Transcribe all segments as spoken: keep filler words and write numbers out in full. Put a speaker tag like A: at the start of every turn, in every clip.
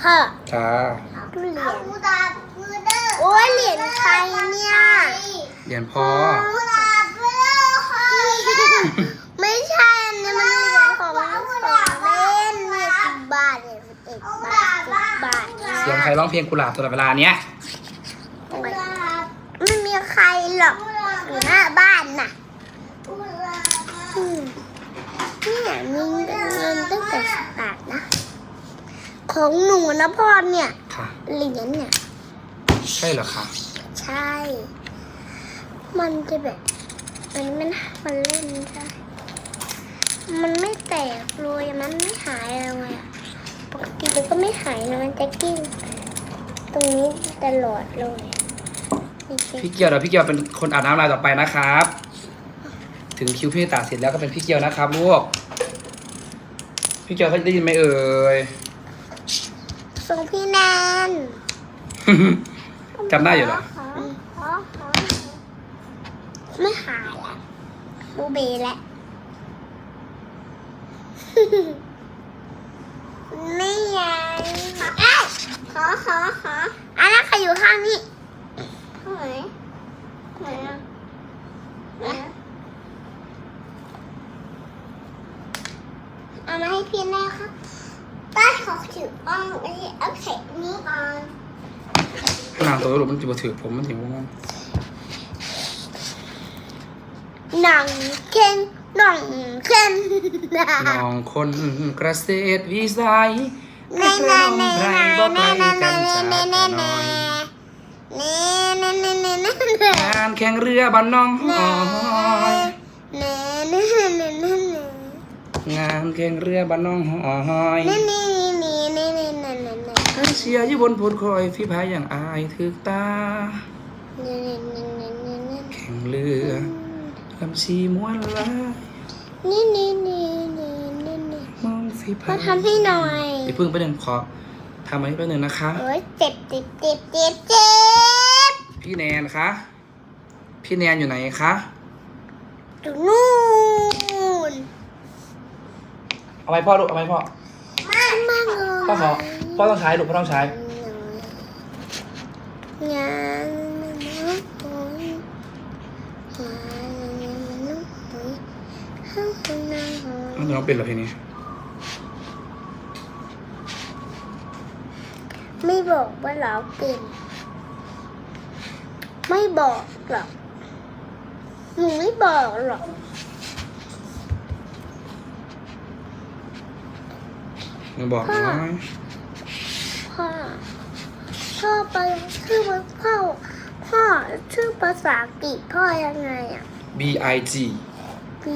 A: พ่อ
B: จ้า
A: เหรียญโอ้ยเหรียญใครเนี่ย
B: เหรียญพ่อ
A: ไม่ใช่อันนี้มันเหรียญของของเล่นเนี่ยสิบบาทเนี่ยสิบเอ็ดบาทสิบบาท
B: เสียงใครร้องเพลงกุหลาบตลอดเวลาเนี้ย
A: ไม่มีใครหรอกอยู่หน้าบ้านน่ะอืมเนี่ยมีเงินตั้งแต่สิบบาทนะของหนูนะพ่อเนี่ย
B: ค่ะ
A: เหรียญเนี่ย
B: ใช่เหรอคะ
A: ใช่ มันจะแบบมันมันมันเล่นได้มันไม่แตกเลยมันไม่หายเลยอะปกติมันก็ไม่หายนะมันจะกิ้งตรงนี้ตลอดเลยนี่สิ
B: พี่เกียวเดี๋ยวพี่เกียวเป็นคนอาบน้ำลายต่อไปนะครับ ถึงคิวพี่ตาเสร็จแล้วก็เป็นพี่เกียวนะครับลูกพี่เกียวเขาได้ยินไหมเอ่ย
A: ส่งพี่แนน
B: จำได้อยู่เหรอ
A: ไม่หายละบูเบแล้วไม่ยังเอ้ยขอขอขออันนั้นใครอยู่ข้างนี้ข้างไหนไหนอะไหนอะเอามาให้พี่แน่ครับป้าขอถืออ้องไอ้เอาเข็มนี้ก่อน
B: นางตัวลูกมันจะมาถือผมมันถือว่า
A: หนังเข่งหนังเข่ง
B: น้องคนเกษตรวิสัย
A: ในในใน
B: ไพร
A: ใน
B: บ่ไก
A: ใน
B: ล
A: ใน
B: กันจาก
A: ในใน
B: กัน
A: ใน
B: น้อย
A: ในในในในใน
B: งานแข่งเรือบ้านน้องหอย
A: ในในในใน
B: งานแข่งเรือบ้านน้องหอย
A: ในในในในในในในใน
B: ท่านเชียร์อยู่บนโพดคอยพี่พายอย่างอายถึกตา แข่งเรือลำชีม้วนลาย
A: นี่นี่นี่นี่นี่นี่
B: มองฝีพา
A: มาย ทำให้หน่อย
B: เดี๋ยวเพิ่งไปหนึ่งขอทำอันนี้ไปหนึ่งนะคะ
A: โอ้ยเจ็บเจ็บเจ็บเจ็บเจ็บ
B: พี่แนนคะพี่แนนอยู่ไหนคะ
A: อยู่นู่น
B: เอาไว้พ่อลูกเอาไว้พ่อ
A: มากมากเลย
B: พ่อขอพ่อต้องใช้ลูกพ่อต้องใช้
A: งานมันน้ำหอยงานมันน้ำหอยข้างบนน้ำหอย
B: น้องเป็นเหรอเพลงนี้
A: ไม่บอกว่าเราเป็น ไม่บอกหรอกหนูไม่บอกหรอก
B: มึงบอกน้อย
A: พ่อพ่อไปชื่อว่าพ่อพ่อชื่อภาษาอังกฤษพ่อยังไงอ่ะ
B: B I G
A: B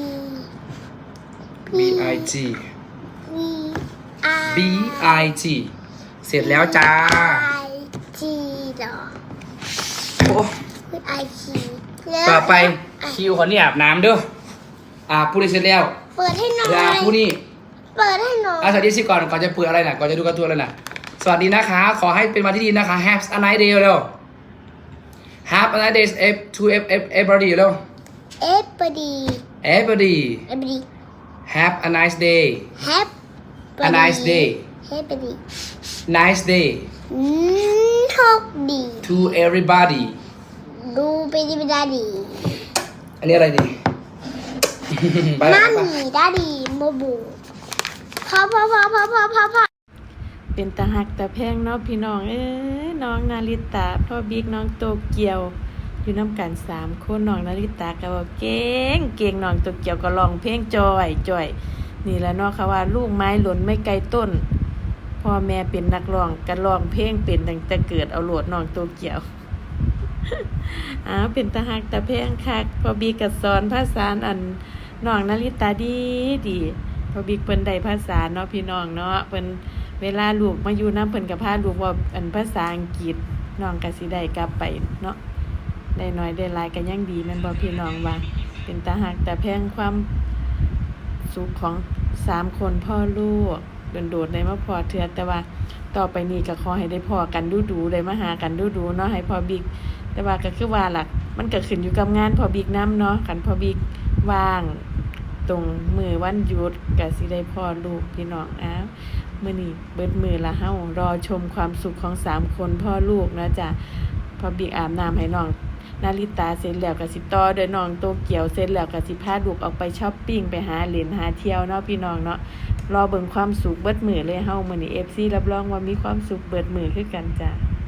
B: B I G
A: B I
B: B I G เสร็จแล้วจ้า
A: I G เหรอ
B: โอ้
A: คือ I G แล้ว
B: ต่อไปคิวขอนี่อาบน้ำเด้ออาบผู้นี้เสร็จแล้ว
A: เปิดให้หน่อ
B: เดี๋ยวอาบ
A: ย
B: ผู้นี้
A: เปิดให้หน่อย
B: อาสวัสดีสิก่อนก่อนจะเปิดอะไรน่ะก่อนจะดูการ์ตูนอะไรน่ะสวัสดีนะคะ ขอให้เป็นวันที่ดีนะคะ Have a nice day เร็ว Have a nice day to everybody เร็ว
A: เอฟปดี
B: everybody
A: เอฟปดี
B: Have a nice day
A: แฮป
B: a nice day
A: เฮปปดี
B: nice day
A: อืมโชคดี
B: to everybody
A: ดูไปดีไปดาดี
B: อันนี้อะไรดี ไป
A: มา
B: ไป
A: มีดาดีโมบูพ่อพ่อพ่อพ่อพ่อพ่อพ่อ
C: เป็นตาหักตาแพงเนาะพี่น้องเอ้ยน้องนาริตาพ่อบิ๊กน้องโตเกียว อยู่น้ำกันสามคนน้องนาริตาก็บอกเก่งเก่งน้องโตเกียวก็ร้องเพลงจอยจอยนี่แหละเนาะค่ะว่าลูกไม้หล่นไม่ไกลต้นพ่อแม่เป็นนักร้องก็ร้องเพลงเป็นตั้งแต่เกิดเอาโหลดน้องโตเกียว อ้าวเป็นตาหักตาแพงคักพ่อบิ๊กก็สอนภาษาอันน้องนาริตาดีดีพ่อบิ๊กเพิ่นได้ภาษาเนาะพี่น้องเนาะเพิ่นเวลาลูกมาอยู่น้ำเพิ่นกับพาลูกว่าอันภาษาอังกฤษน้องก็สิได้กลับไปเนาะได้น้อยได้หลายก็ยังดีแม่นบ่พี่น้องว่าเป็นตาหักแต่แพงความสุขของสามคนพ่อลูกโดดๆได้มาพอเทื่อแต่ว่าต่อไปนี้ก็ขอให้ได้พอกันดูๆได้มาหากันดูๆเนาะให้พ่อบิ๊กแต่ว่าก็คือว่าล่ะมันก็ขึ้นอยู่กับงานพ่อบิ๊กนำเนาะคันพ่อบิ๊กว่างตรงมือวันหยุดก็สิได้พ่อลูกพี่น้องอ้าวมื้อนี้เบิดมื้อละเฮารอชมความสุขของสามคนพ่อลูกนะจ้ะพอบิ๊กอาบน้ำให้น้องนาริตาเสร็จแล้วก็สิต่อด้วยน้องโตเกียวเสร็จแล้วก็สิพาลูกออกไปช้อปปิ้งไปหาเล่นหาเที่ยวเนาะพี่น้องเนาะรอเบิ่งความสุขเบิดมื้อเลยเฮามื้อนี้ เอฟ ซี รับรองว่ามีความสุขเบิดมื้อคือกันจ้ะ